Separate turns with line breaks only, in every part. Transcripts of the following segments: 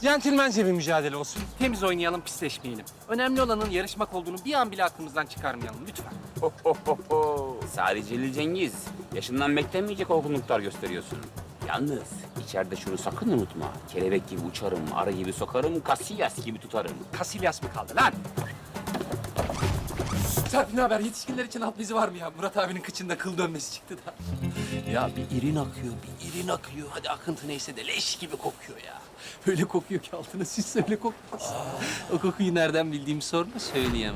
Centilmence bir mücadele olsun. Temiz oynayalım, pisleşmeyelim. Önemli olanın yarışmak olduğunu bir an bile aklımızdan çıkarmayalım lütfen.
Sadece Celil Cengiz. Yaşından beklenmeyecek olgunluklar gösteriyorsun. Yalnız içeride şunu sakın unutma. Kelebek gibi uçarım, arı gibi sokarım, Casillas gibi tutarım.
Casillas mı kaldı lan? Serpil ne haber? Yetişkinler için alt bezi var mı ya? Murat abinin kıçında kıl dönmesi çıktı da. Ya bir irin akıyor, bir irin akıyor. Hadi akıntı neyse de leş gibi kokuyor ya. Öyle kokuyor ki altına siz öyle kokmaz. O kokuyu nereden bildiğimi sorma, söyleyemem.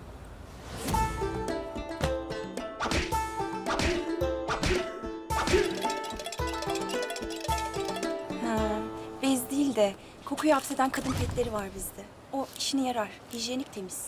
Ha, bez değil de kokuyu hapseden kadın petleri var bizde. O işine yarar. Hijyenik, temiz.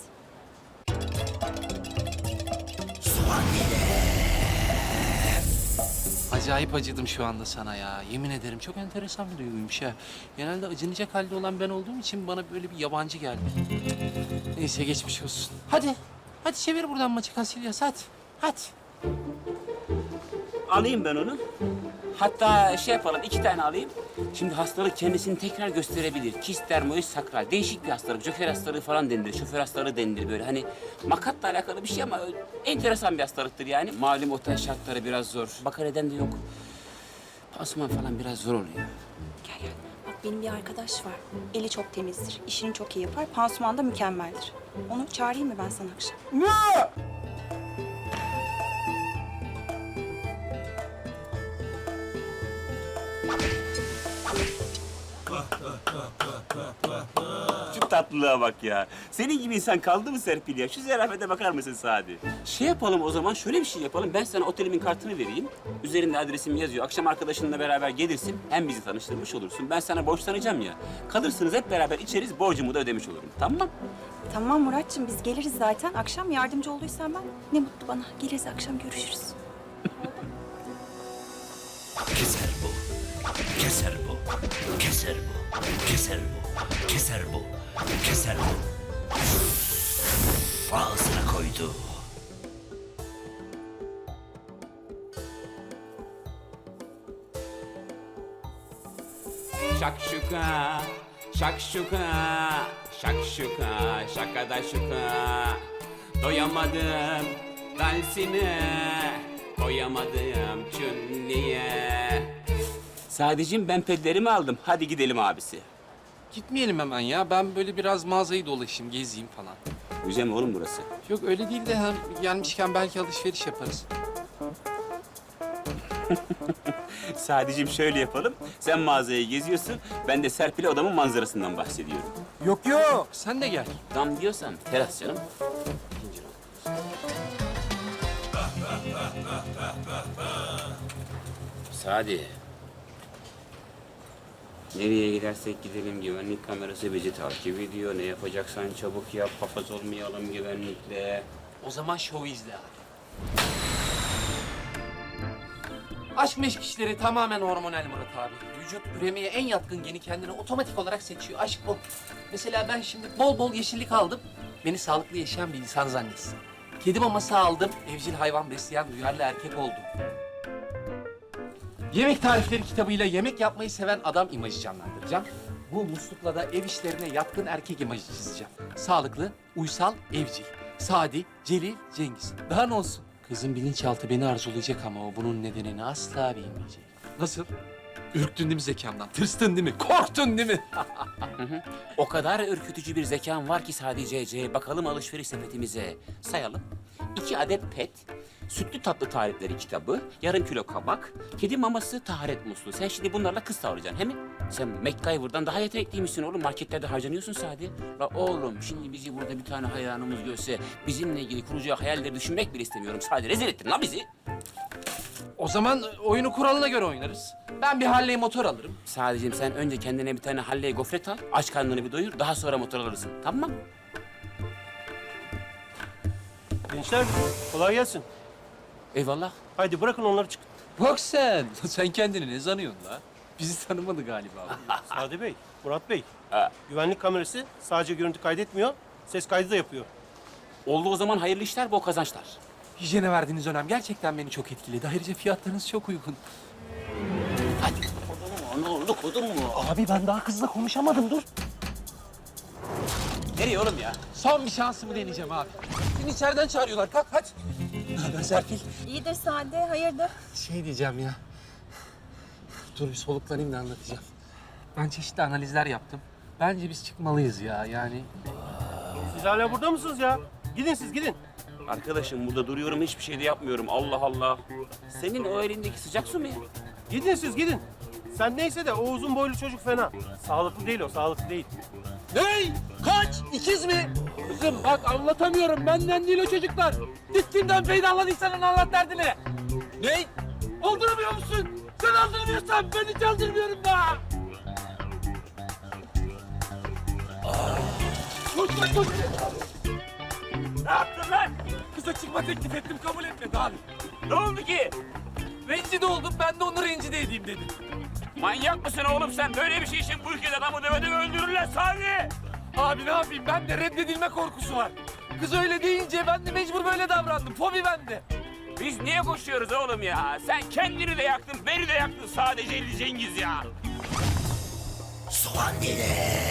Acayip acıdım şu anda sana ya. Yemin ederim çok enteresan bir duyguymuş ha. Genelde acınacak halde olan ben olduğum için bana böyle bir yabancı geldi. Neyse geçmiş olsun. Hadi. Hadi çevir buradan maçı Casillas hadi. Hadi.
Alayım ben onu. Hatta şey yapalım, 2 tane alayım. Şimdi hastalık kendisini tekrar gösterebilir. Kist dermoid sakral. Değişik bir hastalık. Joker hastalığı falan denilir. Şoför hastalığı denilir böyle. Hani makatla alakalı bir şey ama enteresan bir hastalıktır yani. Malum otel şartları biraz zor. Bakar eden de yok. Pansuman falan biraz zor oluyor.
Gel gel. Bak benim bir arkadaş var. Eli çok temizdir. İşini çok iyi yapar. Pansuman da mükemmeldir. Onu çağırayım mı ben sana akşam?
Şu tatlılığa bak ya. Senin gibi insan kaldı mı Serpil ya? Şu zerafete bakar mısın Sadi? Şey yapalım o zaman, şöyle bir şey yapalım. Ben sana otelimin kartını vereyim. Üzerinde adresim yazıyor. Akşam arkadaşınla beraber gelirsin. Hem bizi tanıştırmış olursun. Ben sana borçlanacağım ya. Kalırsınız hep beraber içeriz. Borcumu da ödemiş olurum. Tamam?
Tamam Muratçım, biz geliriz zaten. Akşam yardımcı olduysan ben ne mutlu bana. Geliriz akşam, görüşürüz.
Keser bu. Keser bu. Keser bu. Keser bu. Keser bu. Keser bu. Ağzına koydu.
Şakşuka, şakşuka, şakşuka, şakada şuka. Doyamadım dansine, koyamadım çünniye. Sadece ben pedlerimi aldım. Hadi gidelim abisi.
Gitmeyelim hemen ya. Ben böyle biraz mağazayı dolaşayım, gezeyim falan.
Güzel mi oğlum burası?
Yok öyle değil de hem gelmişken belki alışveriş yaparız.
Sadece şöyle yapalım. Sen mağazayı geziyorsun. Ben de Serpil'e odamın manzarasından bahsediyorum.
Yok yok. Sen de gel.
Dam diyorsan teras canım. Sadi. Nereye gidersek gidelim güvenlik kamerası bizi takip ediyor. Ne yapacaksan çabuk yap. Papaz olmayalım güvenlikle.
O zaman şovu izle abi. Aşk meşk işleri tamamen hormonal Murat abi. Vücut üremeye en yatkın geni kendine otomatik olarak seçiyor. Aşk bu. Mesela ben şimdi bol bol yeşillik aldım. Beni sağlıklı yaşayan bir insan zannetsin. Kedi maması aldım. Evcil hayvan besleyen duyarlı erkek oldum. Yemek tarifleri kitabıyla yemek yapmayı seven adam imajı canlandıracağım. Bu muslukla da ev işlerine yatkın erkek imajı çizeceğim. Sağlıklı, uysal, evcil. Sadi, Celil, Cengiz. Daha ne olsun? Kızın bilinçaltı beni arzulayacak ama o bunun nedenini asla bilmeyecek. Nasıl? Ürktün değil mi zekamdan? Tırstın değil mi? Korktun değil mi?
O kadar ürkütücü bir zekan var ki sadece. Bakalım alışveriş sepetimize. Sayalım. 2 adet pet, sütlü tatlı tarifleri kitabı, yarım kilo kabak, kedi maması, taharet musluğu. Sen şimdi bunlarla kız tavlayacaksın, he mi? Sen MacGyver'dan daha yetenekliymişsin oğlum. Marketlerde harcanıyorsun Sadi. La oğlum şimdi bizi burada bir tane hayranımız görse bizimle ilgili kuracağı hayalleri düşünmek bile istemiyorum. Sadi rezil ettin la bizi.
O zaman oyunu kuralına göre oynarız. Ben bir Harley motor alırım.
Sadece sen önce kendine bir tane Halley gofret al, aç karnını bir doyur, daha sonra motor alırsın. Tamam mı?
Gençler kolay gelsin.
Eyvallah.
Haydi bırakın onları çıkın.
Bak sen. Sen kendini ne sanıyorsun la? Bizi tanımadı galiba.
Sadi Bey, Murat Bey.
Ha.
Güvenlik kamerası sadece görüntü kaydetmiyor, ses kaydı da yapıyor.
Oldu o zaman hayırlı işler, bol kazançlar.
Hijyene verdiğiniz önem gerçekten beni çok etkiledi. Ayrıca fiyatlarınız çok uygun.
Hadi. Ne oldu kodun mu?
Abi ben daha kızla konuşamadım dur.
Nereye oğlum ya?
Son bir şansımı deneyeceğim abi. Seni içeriden çağırıyorlar. Kalk hadi. Ne haber Serpil?
İyidir Sade, hayırdır?
Şey diyeceğim ya. Dur bir soluklanayım da anlatacağım. Ben çeşitli analizler yaptım. Bence biz çıkmalıyız ya yani.
Siz hala burada mısınız ya? Gidin siz gidin.
Arkadaşım burada duruyorum hiçbir şey de yapmıyorum. Allah Allah. Senin o elindeki sıcak su mu ya?
Gidin siz gidin. Sen neyse de o uzun boylu çocuk fena. Sağlıklı değil o, sağlıklı değil.
Ney? Kaç? İkiz mi? Kızım bak anlatamıyorum. Benden değil o çocuklar. Git kimden peydahladıysan anlat derdini. Ney? Olduramıyor musun? Sen aldıramıyorsan ben hiç aldırmıyorum da. Koş koş.
Ne yaptın lan?
Kıza çıkma teklif ettim kabul etmedi abi.
Ne oldu ki?
Rencide oldum ben de onu rencide edeyim dedim.
Manyak mısın oğlum sen? Böyle bir şey için bu ülkede adamı dövede öldürürler Sadi.
Abi ne yapayım ben de reddedilme korkusu var. Kız öyle deyince ben de mecbur böyle davrandım. Fobi bende.
Biz niye koşuyoruz oğlum ya? Sen kendini de yaktın, beni de yaktın sadece Ali Cengiz ya.
Soğan dilim.